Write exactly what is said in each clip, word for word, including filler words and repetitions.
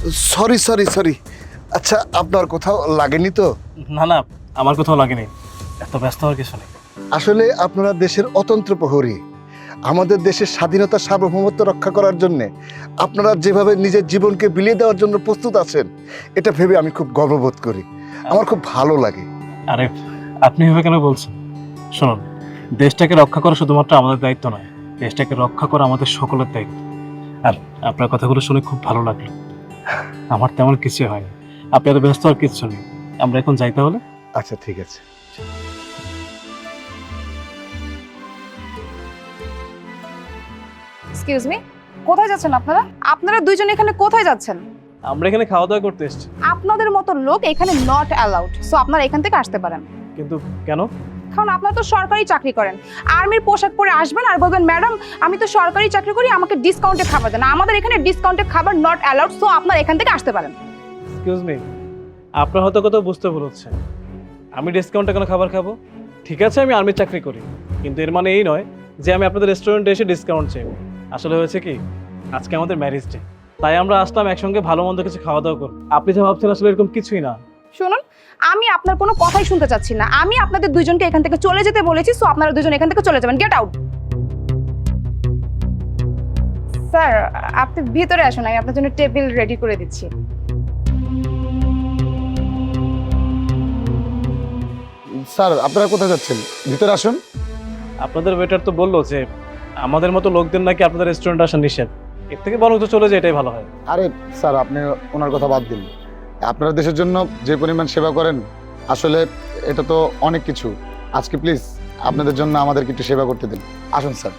Sorry sorry sorry আচ্ছা, আপনার কোথাও লাগেনি তো? না না, আমার কোথাও লাগেনি, এত ব্যস্ত হওয়ার কিছু নেই। আসলে আপনারা দেশের অতন্ত্র প্রহরী। আমাদের দেশের স্বাধীনতা সার্বভৌমত্ব রক্ষা করার জন্যে আপনারা যেভাবে নিজের জীবনকে বিলিয়ে দেওয়ার জন্য প্রস্তুত আছেন, এটা ভেবে আমি খুব গর্ববোধ করি, আমার খুব ভালো লাগে। আরে আপনি এভাবে কেন বলছেন? শুনুন, দেশটাকে রক্ষা করা শুধুমাত্র আমাদের দায়িত্ব নয়, দেশটাকে রক্ষা করা আমাদের সকলের দায়িত্ব। আর আপনার কথাগুলো শুনে খুব ভালো লাগলো। আমার তেমন কিছু হয়নি, আপনি এত ব্যস্ত আর কিচ্ছু নেই। আমরা এখন যাই তাহলে। আচ্ছা ঠিক আছে। এক্সকিউজ মি, কোথায় যাচ্ছেন আপনারা? আপনারা দুইজন এখানে কোথায় যাচ্ছেন? আমরা এখানে খাওয়া দাওয়া করতে এসেছি। আপনাদের মতো লোক এখানে নট অ্যালাউড, সো আপনারা এখান থেকে আসতে পারেন। কিন্তু কেন? কারণ আপনারা তো সরকারি চাকরি করেন, আর্মির পোশাক পরে আসবেন আর বলবেন ম্যাডাম আমি তো সরকারি চাকরি করি, আমাকে ডিসকাউন্টে খাবার দেন। আমাদের এখানে ডিসকাউন্টে খাবার নট অ্যালাউড, সো আপনারা এখান থেকে আসতে পারেন। এক্সকিউজ মি, আপনার হয়তো কোথাও বুঝতে ভুল হচ্ছে। আমি ডিসকাউন্টে কোনো খাবার খাবো? ঠিক আছে, আমি আর্মির চাকরি করি, কিন্তু এর মানে এই নয় যে আমি আপনাদের রেস্টুরেন্টে এসে ডিসকাউন্ট চাই। আসলে হয়েছে কি, আজকে আমাদের ম্যারেজ ডে, তাই আমরা আসলাম একসঙ্গে ভালো মন্দ কিছু খাওয়া দাওয়া করব। আপনি যা ভাবছেন আসলে এরকম কিছুই না। শুনুন, আমি আপনার কোনো কথাই শুনতে চাচ্ছি না। আমি আপনাদের দুইজনকে এখান থেকে চলে যেতে বলেছি, সো আপনারা দুজন এখান থেকে চলে যাবেন। Get out. স্যার আপনি ভিতরে আসুন, আমি আপনার জন্য টেবিল রেডি করে দিচ্ছি। স্যার আপনারা কোথায় যাচ্ছেন? ভিতরে আসুন। আপনাদের ওয়েটার তো বললো যে আমাদের মতো লোকদের নাকি আপনাদের রেস্টুরেন্টে আসা নিষেধ। এর থেকে বরং তো চলে যায়, এটাই ভালো হয়। আরে স্যার, আপনি ওনার কথা বাদ দিন। আপনারা দেশের জন্য যে পরিমাণ সেবা করেন, আসলে এটা তো অনেক কিছু। আজকে প্লিজ আপনাদের জন্য আমাদেরকে একটু সেবা করতে দিন। আসুন sir.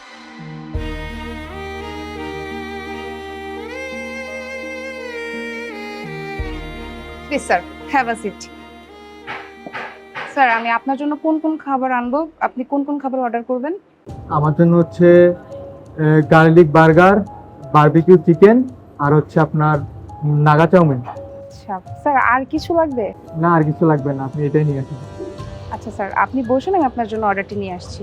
Please sir, have a seat. Sir আমি আপনার জন্য কোন কোন খাবার আনবো, আপনি কোন কোন খাবার অর্ডার করবেন? আমার জন্য হচ্ছে গার্লিক বার্গার, বারবিকিউ চিকেন, আর হচ্ছে আপনার নাগা চাউমিন। আচ্ছা স্যার, আর কিছু লাগবে? না, আর কিছু লাগবে না, আপনি এটাই নিয়ে আসুন। আচ্ছা স্যার, আপনি বসুন, আমি আপনার জন্য অর্ডারটি নিয়ে আসছি।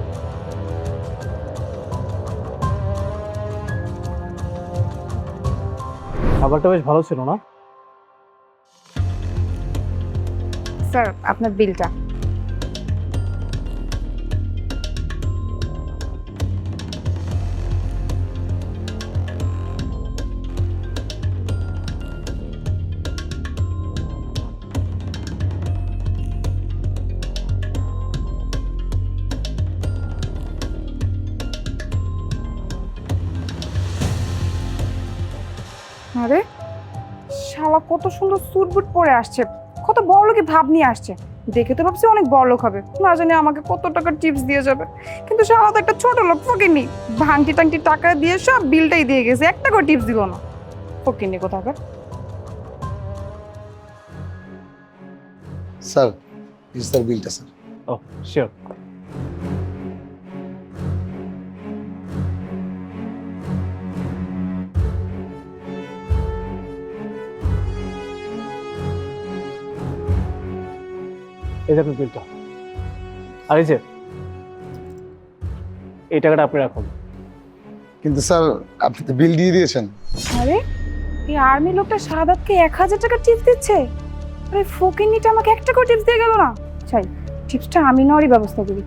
খাবারটা বেশ ভালো ছিল না? স্যার আপনার বিলটা। আরে শালা কত সুন্দর স্যুট বুট পরে আসছে, কত বড় লোকই ভাব নিয়ে আসছে। দেখে তো ভাবছি অনেক বড় লোক হবে, না জানি আমাকে কত টাকা টিপস দিয়ে যাবে। কিন্তু শালা তো একটা ছোট লোক, ফকিনি। ভাঙটি টাংটি টাকা দিয়ে সব বিলটাই দিয়ে গেছে, একটা করে টিপস দিল না। ফকিনি কোথাকার। স্যার ইজ স্যার বিলটা স্যার। ও শিওর। এই যে আপনার বিলটা, আর এই যে এই টাকাটা আপনি রাখুন। কিন্তু স্যার আপনি তো বিল দিয়ে দিয়েছেন। আরে এই আর্মি লোকটা সাদাতকে এক হাজার টাকা টিপস দিচ্ছে, আরে ফকিনিটা আমাকে একটা করে টিপস দিয়ে গেল না। চাই টিপসটা আমি নেওয়ারই ব্যবস্থা করি।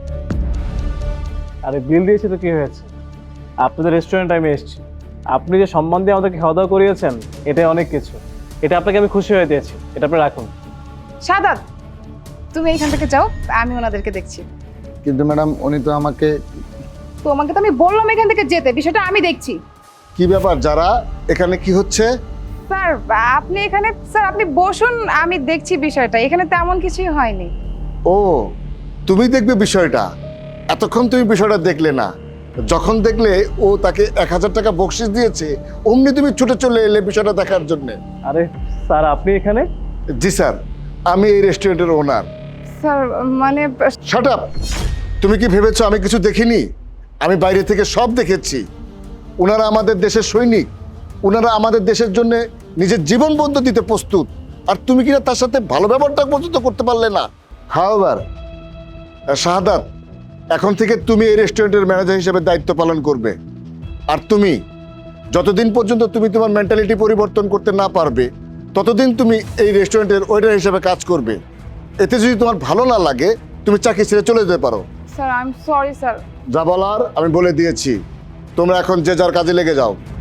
আরে বিল দিয়েছে তো কি হয়েছে, আপনাদের রেস্টুরেন্টে আমি এসেছি, আপনি যে সম্মান দিয়ে আমাদেরকে খাওয়া দাওয়া করিয়েছেন এটাই অনেক কিছু। এটা আপনাকে আমি খুশি হয়ে দিয়েছি, এটা আপনি রাখুন। সাদাত তুমি এখান থেকে যাও, আমি ওনাদেরকে দেখছি। কিন্তু ম্যাডাম উনি তো আমাকে। তোমাকে তো আমি বললাম এখান থেকে যেতে, বিষয়টা আমি দেখছি। কি ব্যাপার যারা, এখানে কি হচ্ছে? স্যার আপনি এখানে, স্যার আপনি বসুন, আমি দেখছি বিষয়টা, এখানে তেমন কিছুই হয়নি। ও তুমি দেখবে বিষয়টা, এতক্ষণ তুমি বিষয়টা দেখলে না। যখন দেখলে ও তাকে এক হাজার টাকা বকশিস দিয়েছে, অমনি তুমি ছুটে চলে এলে বিষয়টা দেখার জন্য। আরে স্যার আপনি এখানে? জি স্যার, আমি এই রেস্টুরেন্টের ওনার। স্যার মানে শাট আপ! তুমি কি ভেবেছো আমি কিছু দেখিনি? আমি বাইরে থেকে সব দেখেছি। ওনারা আমাদের দেশের সৈনিক, ওনারা আমাদের দেশের জন্য নিজের জীবন বন্ধ দিতে প্রস্তুত, আর তুমি কিনা তার সাথে ভালো ব্যবহারটা পর্যন্ত করতে পারলে না। হাওয়ার শাহাদাত, এখন থেকে তুমি এই রেস্টুরেন্টের ম্যানেজার হিসেবে দায়িত্ব পালন করবে। আর তুমি যতদিন পর্যন্ত তুমি তোমার মেন্টালিটি পরিবর্তন করতে না পারবে ততদিন তুমি এই রেস্টুরেন্টের ওয়েটার হিসেবে কাজ করবে। এতে যদি তোমার ভালো না লাগে তুমি চাকরি ছেড়ে চলে যেতে পারো। Sir I am sorry sir. যা বলার আমি বলে দিয়েছি, তোমরা এখন যে যার কাজে লেগে যাও।